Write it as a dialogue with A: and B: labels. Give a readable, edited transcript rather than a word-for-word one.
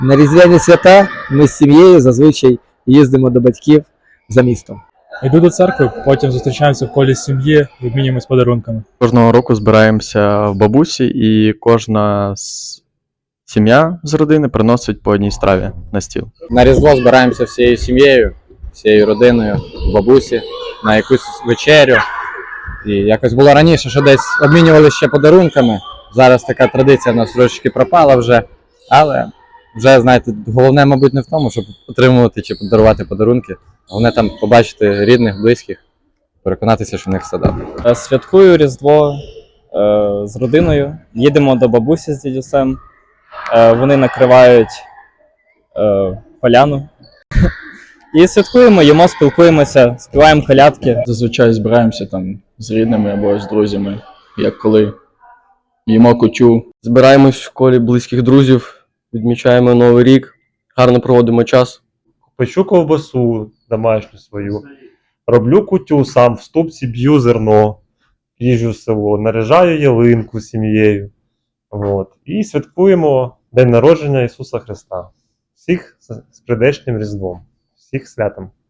A: На різдвяні свята ми з сім'єю зазвичай їздимо до батьків за містом.
B: Йду до церкви, потім зустрічаємося в колі сім'ї і обмінюємось подарунками.
C: Кожного року збираємося в бабусі, і кожна сім'я з родини приносить по одній страві на стіл.
D: На Різдво збираємося всією сім'єю, всією родиною, в бабусі, на якусь вечерю. І якось було раніше, що десь обмінювалися ще подарунками. Зараз така традиція в нас трошки пропала вже, але вже, знаєте, головне, мабуть, не в тому, щоб отримувати чи подарувати подарунки. Головне там побачити рідних, близьких, переконатися, що в них все добре.
E: Святкую Різдво з родиною. Їдемо до бабусі з дідусем. Вони накривають поляну. І святкуємо, їмо, спілкуємося, співаємо колядки.
F: Зазвичай збираємося там з рідними або з друзями, як коли їмо кутю.
G: Збираємось в колі близьких друзів, відмічаємо Новий рік, гарно проводимо час.
H: Печу ковбасу домашню свою, роблю кутю сам, в ступці б'ю зерно, їжджу в село, наряжаю ялинку з сім'єю. І святкуємо День народження Ісуса Христа. Всіх з прийдешнім Різдвом, всіх святом.